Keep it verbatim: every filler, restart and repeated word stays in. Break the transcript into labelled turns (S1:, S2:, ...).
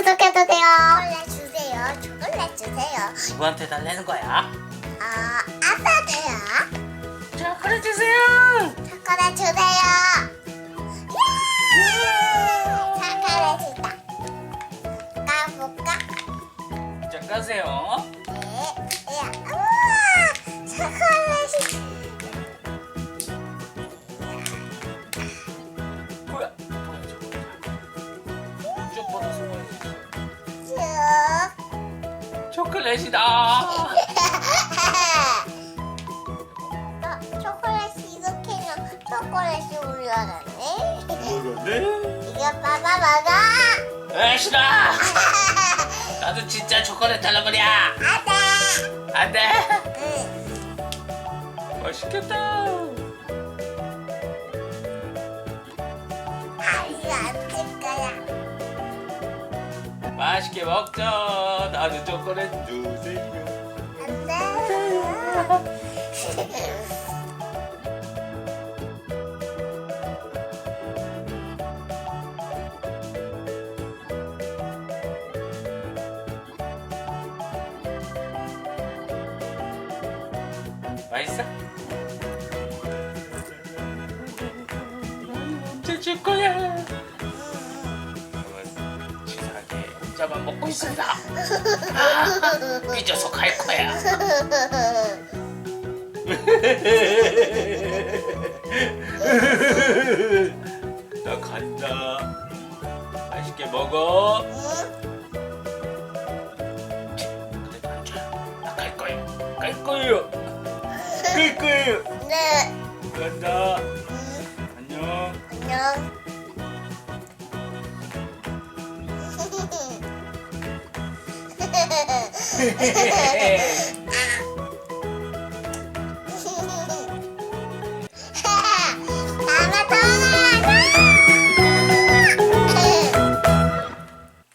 S1: 구독해도 돼요. 초콜릿 주세요. 초콜릿 주세요.
S2: 누구한테 달래는 거야?
S1: 아, 아빠도요.
S2: 초콜릿 주세요.
S1: 초콜릿 주세요. 초콜릿이다. 까볼까?
S2: 자, 까세요.
S1: 네. 야, 우와, 초콜릿이.
S2: 뭐야? 뭐야 저거? 쭉 뻗어서 봐야지.
S1: 쭉.
S2: 초콜릿이다.
S1: 어, 초콜릿이 이렇게 는 초콜릿이 올라가네.
S2: 뭐라네?
S1: 이거 봐봐 봐봐.
S2: 에 싫어. 나도 진짜 초콜릿 달라버려.
S1: 안돼.
S2: 안돼.
S1: 응.
S2: 맛있겠다.
S1: 아 이거 안줄 거야.
S2: 맛있게 먹자. 나도 초콜릿 주세요.
S1: 안돼.
S2: 맛있어? 언제 줄 거야? 치사하게 혼자만 먹고 있었어. 아, 삐져서 갈 거야. 나 간다. 맛있게 먹어. 그래도 안 줘요. 나 갈 거예요. 갈 거예요. 갈 거예요.
S1: 네.
S2: 간다.
S1: 응.
S2: 안녕.
S1: 안녕.